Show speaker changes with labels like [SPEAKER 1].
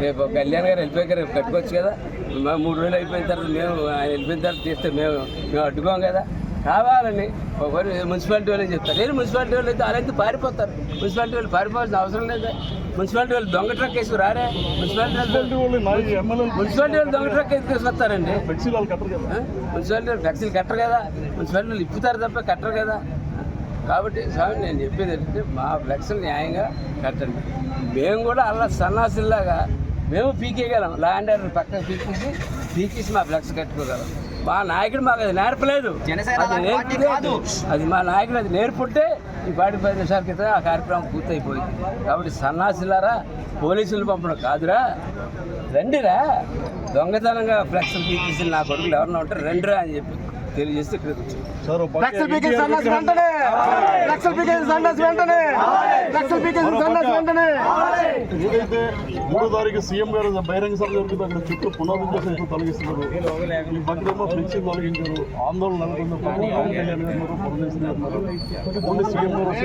[SPEAKER 1] రేపు కళ్యాణ్ గారు వెళ్ళిపోయాక రేపు కట్టుకోవచ్చు కదా. 3 రోజులు అయిపోయిన తర్వాత మేము ఆయన వెళ్ళిపోయిన తర్వాత తీస్తే మేము అడ్డుకోం కదా. కావాలని ఒకరు మున్సిపాలిటీ వాళ్ళు చెప్తారు. నేను మున్సిపాలిటీ వాళ్ళు అయితే వాళ్ళైతే పారిపోతారు. మున్సిపాలిటీ వాళ్ళు పారిపోవాల్సిన అవసరం లేదు. మున్సిపాలిటీ వాళ్ళు దొంగ ట్రక్ వేసుకు రారే. మున్సిపాలిటీ వాళ్ళు దొంగ ట్రక్ వేసుకొస్తారండి. మున్సిపాలిటీ వాళ్ళు ఫ్లెక్సీలు కట్టరు కదా. మున్సిపాలిటీ వాళ్ళు ఇప్పుతారు తప్ప కట్టరు కదా. కాబట్టి స్వామి నేను చెప్పేది ఏంటంటే మా ఫ్లెక్స్లు న్యాయంగా కట్టండి. మేము కూడా అలా సన్నాసుల్లాగా మేము పీకేయగలం. ల్యాండ్ ఆర్డర్ పక్కన పీకేసి మా ఫ్లెక్స్ కట్టుకోగలం. మా నాయకుడు మాకు అది నేర్పలేదు. అది మా నాయకుడు అది నేర్పుంటే ఈ 10 నిమిషాల క్రితం ఆ కార్యక్రమం పూర్తయిపోయింది. కాబట్టి సన్నాసులారా పోలీసులు పంపడం కాదురా, రండిరా. దొంగతనంగా ఫ్లెక్స్లు పీకేసి నా కొడుకులు ఎవరన్నా ఉంటారు రండిరా అని చెప్పి తెలియజేస్తే ఇక్కడ వచ్చాను.
[SPEAKER 2] ఏదైతే 3వ తారీఖు సీఎం గారు బహిరంగ సభ జరుగుతుంది అక్కడ చుట్టూ పునరుద్ధరణ తొలగిస్తున్నారు. ఈ పక్కనేమో ఫ్లెక్సీ తొలగించారు. ఆందోళన నెలకొంది. పవన్ కళ్యాణ్ గారు సీఎం గారు